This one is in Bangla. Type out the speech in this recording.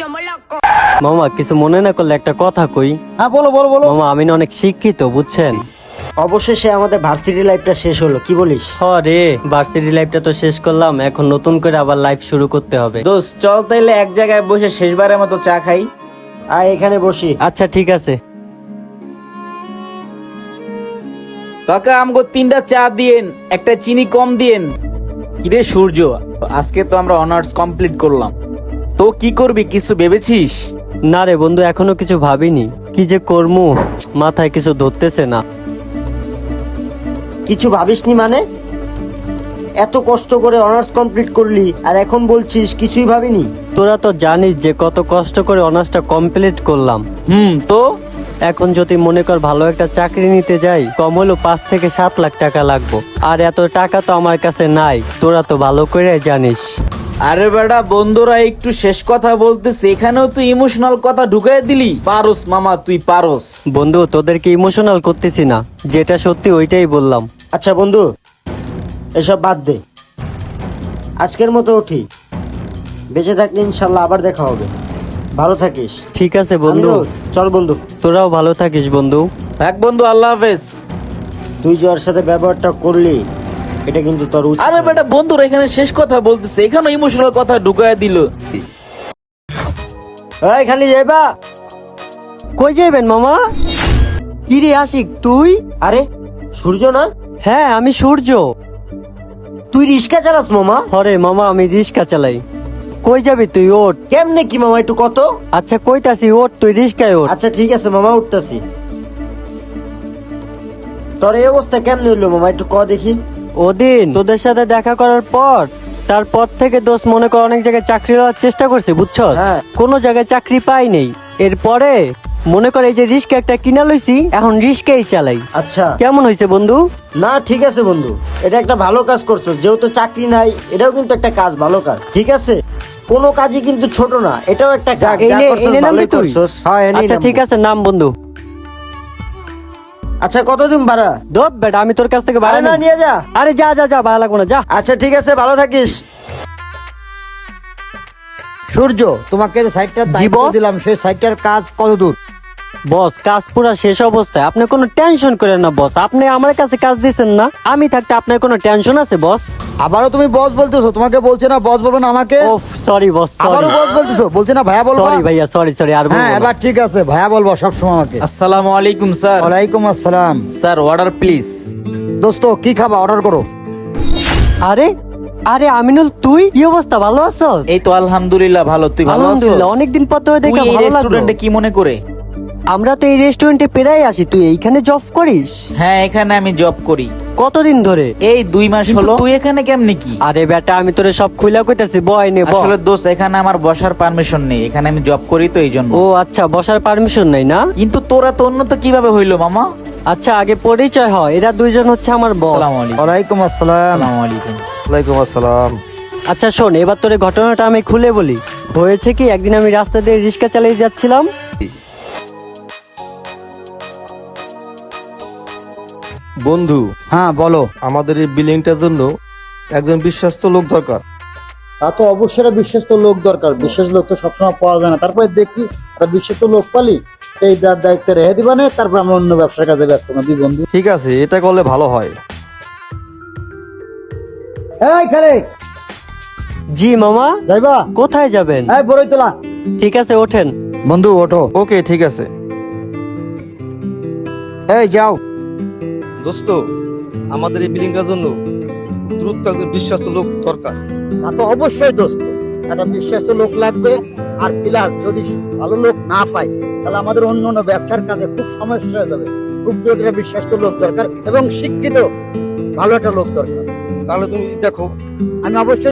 মামা কিছু মনে না করলে একটা কথা কই। হ্যাঁ বলো বলো বলো। মামা আমি না অনেক শিক্ষিত বুঝছেন। অবশেষে আমাদের ভার্সিটি লাইফটা শেষ হলো, কি বলিস? রে ভার্সিটি লাইফটা তো শেষ করলাম, এখন নতুন করে আবার লাইফ শুরু করতে হবে। দোস্ত চল তাইলে এক জায়গায় বসে শেষবারের মতো চা খাই। আয় এখানে বসি। আচ্ছা ঠিক আছে। কাকা আমগো 3টা চা দিয়েন, একটা চিনি কম দিয়েন। কিরে সূর্য, আজকে তো আমরা অনার্স কমপ্লিট করলাম, তো কি করবি কিছু ভেবেছিস? না রে বন্ধু, এখনো কিছু ভাবিনি, কি যে করমু মাথায় কিছু ধরতেছে না। কিছু ভাবিসনি মানে? এত কষ্ট করে অনার্স কমপ্লিট করলি আর এখন বলছিস কিছুই ভাবিনি? তোরা তো জানিস যে কত কষ্ট করে অনার্সটা কমপ্লিট করলাম। তো এখন যদি মনে কর ভালো একটা চাকরি নিতে যাই, কম হলো 5 থেকে 7 লাখ টাকা লাগবে, আর এত টাকা তো আমার কাছে নাই, তোরা তো ভালো করে জানিস। আরে বেটা, বন্ধুরা একটু শেষ কথা বলতেছে, এখানেও তুই ইমোশনাল কথা ঢুকাই দিলি। পারোস মামা, তুই পারোস। বন্ধু তোদেরকে ইমোশনাল করতেছি না, যেটা সত্যি ওইটাই বললাম। আচ্ছা বন্ধু, এসব বাদ দে, আজকের মতো উঠি। বেঁচে থাকলে ইনশাল্লাহ আবার দেখা হবে। ভালো থাকিস। ঠিক আছে বন্ধু। আমিও, চল বন্ধু। তোরাও ভালো থাকিস বন্ধু। থাক বন্ধু, আল্লাহ হাফেজ। তুই যে ওর সাথে ব্যবহারটা করলি, এটা কিন্তু তোর উচিত আরে না। বেটা, বন্ধুরা এখানে শেষ কথা বলতেছে, এখানে ইমোশনাল কথা ঢুকাই দিল। এই খালি যাইবা? কই যাইবেন মামা? কি রে আশিক তুই? আরে সূর্য না? হ্যাঁ আমি সূর্য। তুই রিক্সা চালাস মামা? হরে মামা আমি রিক্সা চালাই। কই যাবি তুই? ওঠ। কেমনে কি মামা, একটু কত? আচ্ছা কইতাছি ওঠ, তুই রিক্সায় ওঠ। আচ্ছা ঠিক আছে মামা, উঠতাছি। তোর এই অবস্থা কেমনে হইলো মামা, একটু ক দেখি। ওদিন তোদের সাথে দেখা করার পর, তারপর থেকে দোস্ত মনে কর অনেক জায়গায় চাকরি হওয়ার চেষ্টা করছি বুঝছস, হ্যাঁ। কোনো জায়গায় চাকরি পাই নেই। এরপরে মনে কর এই যে রিস্কা একটা কিনা লইছি, এখন রিস্কাই চালাই। আচ্ছা কেমন হয়েছে বন্ধু? না ঠিক আছে বন্ধু, এটা একটা ভালো কাজ করছো। যেহেতু চাকরি নাই, এটাও কিন্তু একটা কাজ, ভালো কাজ। ঠিক আছে, কোনো কাজই কিন্তু ছোট না, এটাও একটা কাজ। এই যা নে, করছস এই নে নামবি ভালোই তুই? করছস। হ্যাঁ, এনেই আচ্ছা নামবো। ঠিক আছে নাম বন্ধু। আচ্ছা কতদিন ভাড়া? দোপ বেটা, আমি তোর কাছ থেকে ভাড়া আরে না, নিই। নিয়ে যা। আরে যা যা যা, ভাড়া লাগবো না, যা। আচ্ছা ঠিক আছে, ভালো থাকিস। সূর্য, তোমাকে যে সাইটটার জি, দায়িত্ব বস। দিলাম, সেই সাইটটার কাজ কত দূর? বস কাজ পুরা শেষ অবস্থায়, আপনি কোনো টেনশন করেন না বস। আপনি আমার কাছে কাজ দিচ্ছেন না, আমি থাকতে আপনার কোনো টেনশন আছে বস? আবারও তুমি বস বলতেছো? তোমাকে বলছে না বস বলবো না আমাকে? ওফ সরি বস, সরি। আবারও বস বলতেছো, বলছে না ভাইয়া বলবো? সরি ভাইয়া, সরি সরি, আর বলবো হ্যাঁ না। এবার ঠিক আছে, ভাইয়া বলবো সবসময় আমাকে। আসসালামু আলাইকুম স্যার। ওয়ালাইকুম আসসালাম। Sir order please. দোস্ত কি খাবা, অর্ডার করো। আরে আরে আমিনুল, তুই কি অবস্থা, ভালো আছস? এই তো আলহামদুলিল্লাহ ভালো, তুই ভালো আছিস? আলহামদুলিল্লাহ, অনেকদিন পর তোকে দেখে তুই এই ভালো লাগলো। রেস্টুরেন্টে কি মনে করে? আমরা তো এই রেস্টুরেন্টে পেরাই আসি, তুই এইখানে জব করিস? হ্যাঁ, এখানে আমি জব করি। কতদিন ধরে? এই 2 মাস হলো। তুই এখানে কেমনে কি? আরে বেটা, আমি তোরে সব খুইলা কইতাছি, বয় নে বয়। আসলে দোস্ত, এখানে আমার বসার পারমিশন নেই, এখানে আমি জব করি তো এই জন্য। ও আচ্ছা, বসার পারমিশন নাই না? কিন্তু তোরা তো উন্নত কিভাবে হইলো মামা? আচ্ছা আগে পরিচয় হয়, এরা দুইজন হচ্ছে আমার বস। আসসালামু আলাইকুম। ওয়ালাইকুম আসসালাম। আসসালামু আলাইকুম। ওয়ালাইকুম আসসালাম। আচ্ছা শোন, এবার তোর ঘটনাটা আমি খুলে বলি। হয়েছে কি, একদিন আমি রাস্তা দিয়ে রিক্সা চালিয়ে যাচ্ছিলাম। বন্ধু, হ্যাঁ বলো। আমাদের এই বিল্ডিংটার জন্য একজন বিশ্বস্ত লোক দরকার। তা তো অবশ্যই বিশ্বস্ত লোক দরকার, বিশেষ লোক তো সবসময় পাওয়া যায় না। তারপরে দেখি একটা বিশ্বস্ত লোক পালি, এই যার দায়িত্বে রেখে দিবা না, তারপর আমরা অন্য ব্যবসার কাজে ব্যস্ত না, দুই বন্ধু। ঠিক আছে, এটা করলে ভালো হয়। এই খেলে জি মামা। যাইবা? কোথায় যাবেন? এই বড়ই তোলা। ঠিক আছে ওঠেন। বন্ধু ওঠো। ওকে ঠিক আছে। এই যাও। দোস্ত, আমাদের এই বিল্ডিংটার জন্য দ্রুত একজন বিশ্বস্ত লোক দরকার। তা তো অবশ্যই দোস্ত, একটা বিশ্বস্ত লোক লাগবে। আর প্লাস যদি ভালো লোক না পাই, তাহলে আমাদের অন্য অন্য ব্যবসার কাজে খুব সমস্যা হয়ে যাবে। খুব দ্রুত একটা বিশ্বস্ত লোক দরকার এবং শিক্ষিত ভালো একটা লোক দরকার। তাহলে তুমি দেখো। আমি অবশ্যই